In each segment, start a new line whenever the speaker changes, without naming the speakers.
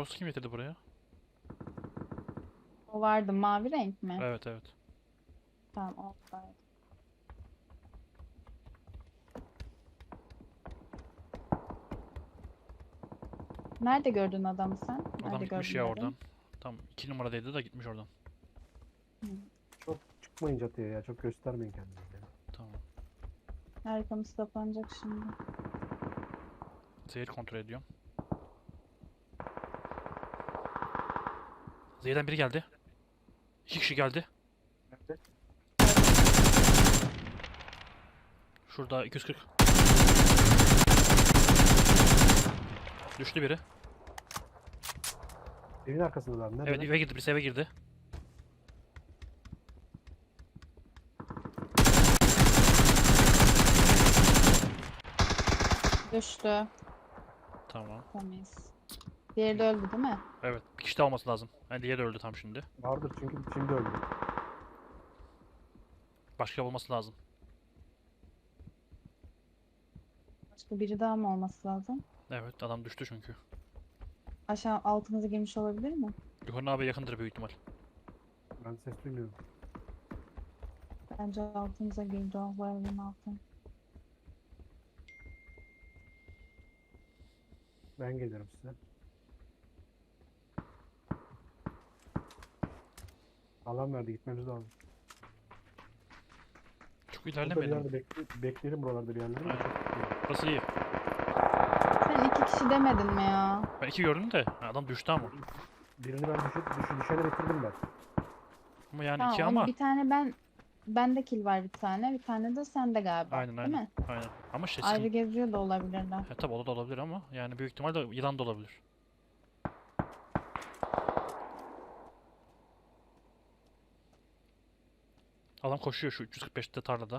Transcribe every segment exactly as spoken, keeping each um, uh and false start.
Jirox'u kim getirdi buraya?
O vardı, mavi renk mi?
Evet evet.
Tamam, oradaydı. Nerede gördün adamı sen?
Adam
Nerede
gitmiş
gördün
ya oradan.
dedin?
Tam iki numaradaydı da gitmiş oradan.
Hı.
Çok çıkmayın çatıya ya. Çok göstermeyin kendinizi. ya.
Tamam.
Arkamız kapanacak şimdi.
Zehir kontrol ediyorum. Zehir'den biri geldi. İki kişi geldi.
Nerede?
Şurada iki yüz kırk. Düştü biri.
Evin arkasındalar. Nerede?
Evet eve girdi. Birisi eve girdi.
Düştü.
Tamam.
Temiz. Diğeri de öldü değil mi?
Evet. Bir kişi de olması lazım. Yani diğeri de öldü tam şimdi.
Vardır çünkü şimdi öldü.
Başka olması lazım.
Başka biri daha mı olması lazım?
Evet adam düştü çünkü.
Aşağı altımıza girmiş olabilir mi?
Yukarı abi yakındır büyük ihtimal.
Ben ses duymuyorum.
Bence altımıza girdi o, bu evin altı.
Ben gelirim size. Alan verdi. Gitmemiz lazım.
Çok
Burada bir
ilerlemedim.
yerde bekle, bekleyelim buralarda bir yerlerde.
Aynen. Burası iyi.
Sen iki kişi demedin mi ya?
Ben iki gördüm de adam düştü ama.
Birini ben düşü, düşü, düşene bitirdim ben.
Ama yani
Tamam,
iki
onu
ama.
bir tane ben, bende kill var bir tane, bir tane de sende galiba,
Aynen
değil
aynen.
mi?
Aynen. Ama şey
Ayrı
sıkıntı.
geziyor da olabilirler.
E, tabi o da olabilir ama yani büyük ihtimalle yılan da olabilir. Adam koşuyor şu üç yüz kırk beşte tarlada.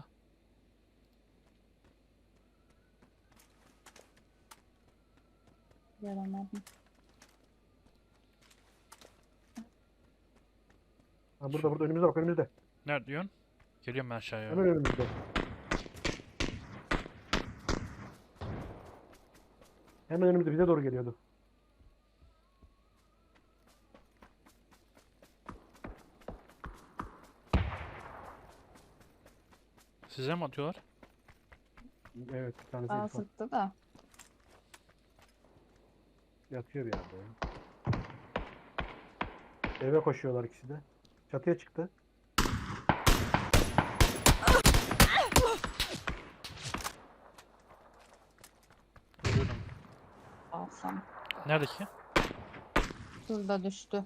Göremedim.
Ha, burada burada önümüzde bak önümüzde.
Nerede diyorsun? Geliyorum ben aşağıya.
Hemen önümüzde. Hemen önümüzde bize doğru geliyordu.
Size mi atıyorlar?
Evet bir tanesi
Daha
herif var.
sıktı da.
Yatıyor bir yerde ya. Eve koşuyorlar ikisi de. Çatıya çıktı.
Görüyorum.
Alsam.
Nerede ki?
Şurada düştü.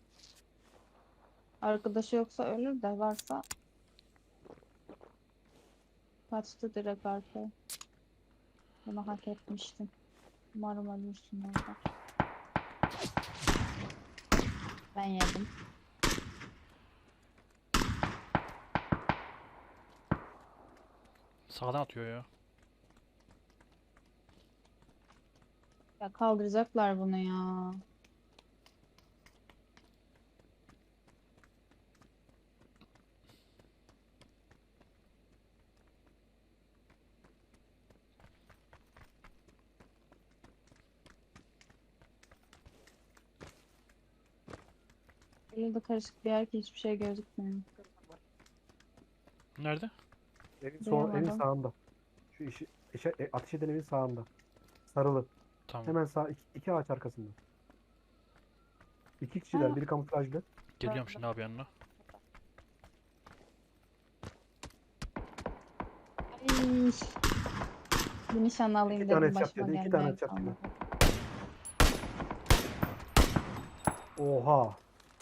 Arkadaşı yoksa ölür de varsa kaçtı direkt arkaya. Bunu hak etmiştin. Umarım ölürsün orada. Ben yedim.
Sağdan atıyor ya.
Ya kaldıracaklar bunu ya. Öyle de karışık bir yer ki hiçbir şey gözükmüyor.
Nerede?
Evin, sol, evin
Duyamadım.
sağında. Şu işi, işe, e, ateş eden evin sağında. Sarılı.
Tamam.
Hemen sağ iki, iki ağaç arkasında. İki kişiler.
Ha.
Biri kamuflajlı.
Geliyorum şimdi abi yanına.
Ay. Bir nişan alayım
İki tane
dedim,
headshot
başıma
yedi. iki tane
gelmeyen
headshot yedi.
kalmadı.
Oha.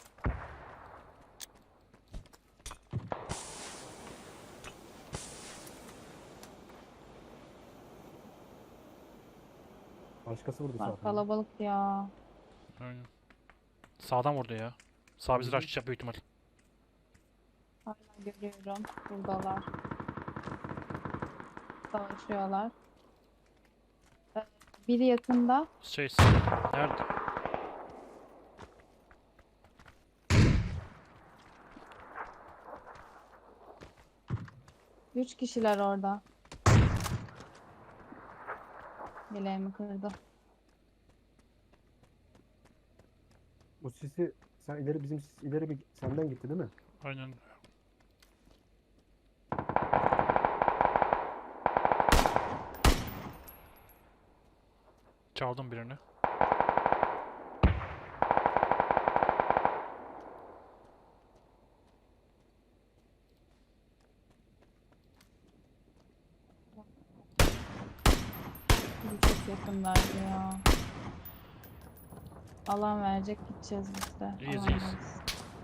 Başkası vurdu
Var
zaten.
kalabalık ya.
Aynen. Sağdan vurdu ya. Sağ bizi
Hı hı.
rushlayacak büyük ihtimal.
Hala görüyorum. Buradalar. Savaşıyorlar. Ee, Biri yakında.
Şey nerede?
Üç kişiler orada. Bileğimi kırdı.
sisi sen ileri bizim sis ileri bir senden gitti değil mi?
Aynen. Çaldım birini.
Bu çok yakınlardı ya. Alan verecek, gideceğiz biz de.
İyiyiz,
Alandayız.
iyiyiz.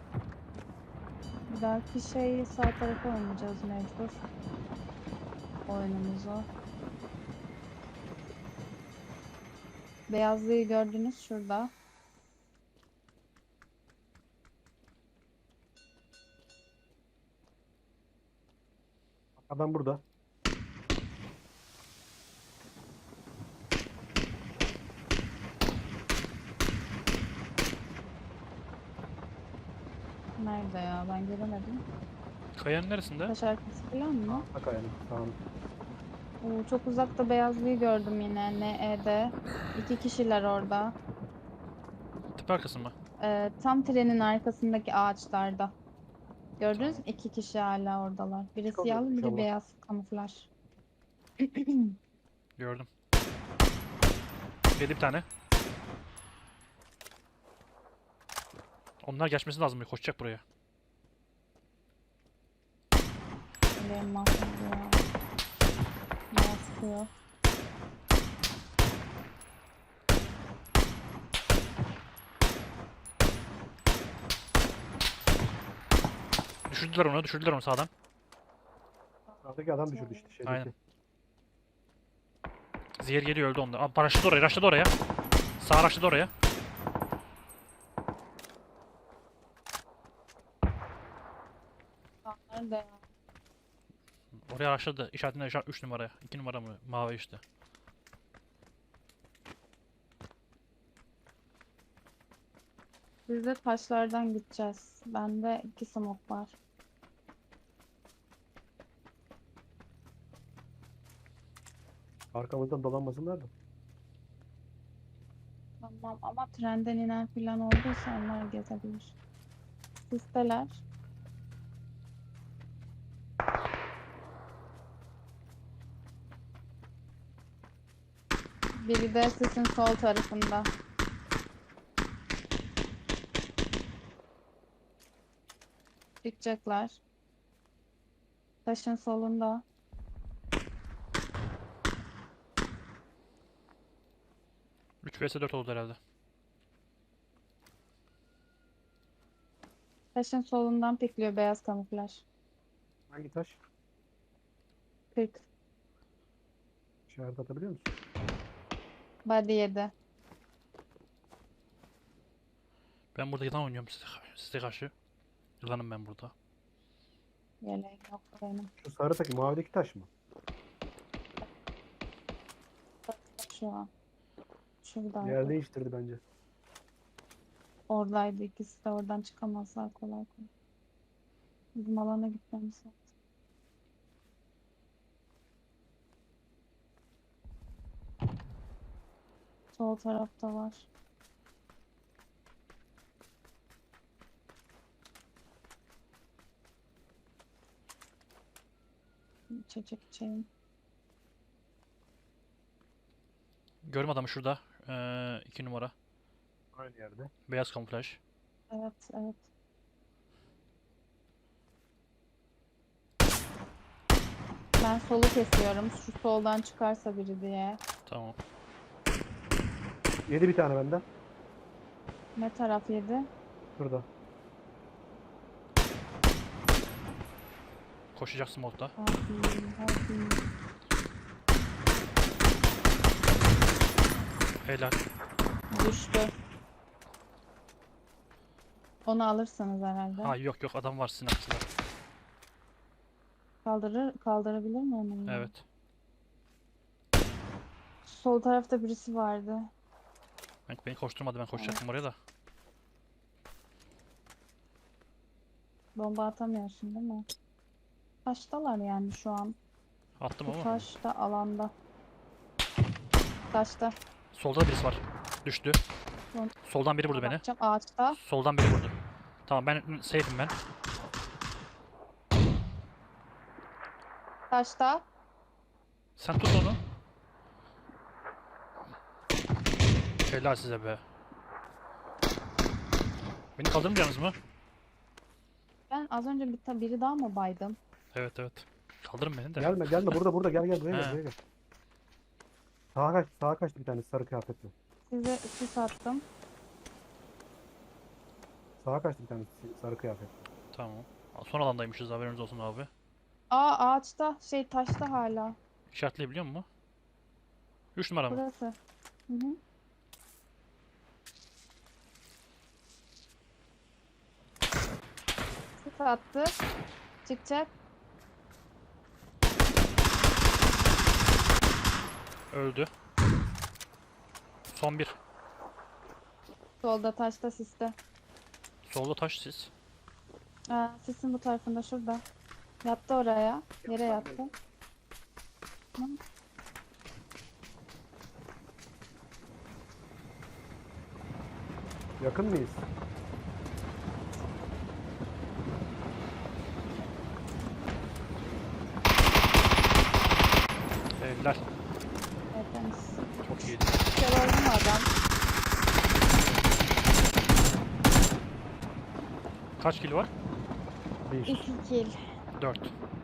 Bir dahaki şeyi sağ tarafa oynayacağız mecbur. Oyunumuzu. Beyazlığı gördünüz şurada.
Adam burada.
Nerede ya? Ben göremedim.
Kayanın neresinde?
Taş arkası falan mı?
Bak ayağını. Tamam.
Oo, çok uzakta beyazlığı gördüm yine. N E'de. İki kişiler orada.
Tepe arkası mı?
Ee, tam trenin arkasındaki ağaçlarda. Gördünüz mü?
Tamam.
İki kişi hala oradalar. Biri
Çıkamıyor
siyahlı, biri
inşallah.
beyaz kamuflaj.
Gördüm. Yedi bir tane. Onlar geçmesi lazım. Koşacak buraya.
Benim mahvoldu ya. Beyaz sıkıyor.
Düşürdüler onu. Düşürdüler onu sağdan.
Sağdaki adam düşürdü işte şeydeki.
Aynen. Zehir geliyor, öldü onda. Aa, paraşütü oraya. Raşladı oraya. Sağ raşladı oraya.
Nerede ya?
Oraya raşladı. İşaretinde işaret üç numaraya. iki numara mı? Mavi işte.
Biz de taşlardan gideceğiz. Bende iki smoke var.
Arkamızdan dolanmasınlar da.
Tamam ama trenden inen falan olduysa onlar gezebilir. Sisteler. Biri de sisin sol tarafında. Çıkacaklar. Taşın solunda.
üç vs dört oldu herhalde.
Taşın solundan pikliyor beyaz kamuflaj.
Hangi taş?
kırk.
İşaret atabiliyor musun?
Body yedi.
Ben burada yılan oynuyorum size, size karşı. Yılanım ben burada.
Yeleğim yok benim.
Şu sarı takım mavideki taş mı?
Şu an. Şuradaydı.
Yer değiştirdi bence.
Oradaydı ikisi de, oradan çıkamazlar kolay kolay. Bizim alana gitmemiz lazım. Sol tarafta var. İçecek içeyim.
Görüm adamı şurada. Ee, iki numara.
Aynı yerde.
Beyaz kamuflaj.
Evet, evet. Ben solu kesiyorum. Şu soldan çıkarsa biri diye.
Tamam.
Yedi bir tane benden.
Ne taraf yedi?
Şurada.
Koşacaksın modda.
Hadi, hadi.
Helal.
Düştü. Onu alırsınız herhalde.
Ha yok yok, adam var sizin arkasında.
Kaldırır, kaldırabilir mi onu? ya?
Evet.
Sol tarafta birisi vardı.
Ben, beni koşturmadı, ben koşacaktım oraya da.
Bomba atamıyorsun değil mi? Taştalar yani şu an.
Attım
Bu
ama.
taşta alanda. Taşta.
Solda da birisi var. Düştü.
Son-
Soldan biri vurdu beni.
Bakacağım ağaçta.
Soldan biri vurdu. Tamam ben safe'im ben.
Taşta.
Sen tut onu. Helal size be. Beni kaldırmayacaksınız mı?
Ben az önce bir ta- biri daha mı baydım?
Evet evet. Kaldırın beni de.
Gelme gelme burada burada gel gel buraya
He.
gel buraya gel. Sağa kaç sağa kaçtı bir tane sarı kıyafetli.
Size sis attım.
Sağa kaçtı bir tane sarı kıyafetli.
Tamam. Son alandaymışız, haberiniz olsun abi.
Aa ağaçta şey taşta hala.
İşaretleyebiliyor musun? üç numara mı?
Burası. Hı hı. Sis attı. Çıkacak.
Öldü. Son bir.
Solda taşta siste.
Solda taş siz.
Aa, sisin bu tarafında şurada. Yattı oraya. Yere yattı. Hı.
Yakın mıyız?
Helal.
Evet, temiz.
Çok iyiydi.
Gördün mü adam?
Bir.
Kaç kilo var?
Bir.
İki kill.
dört.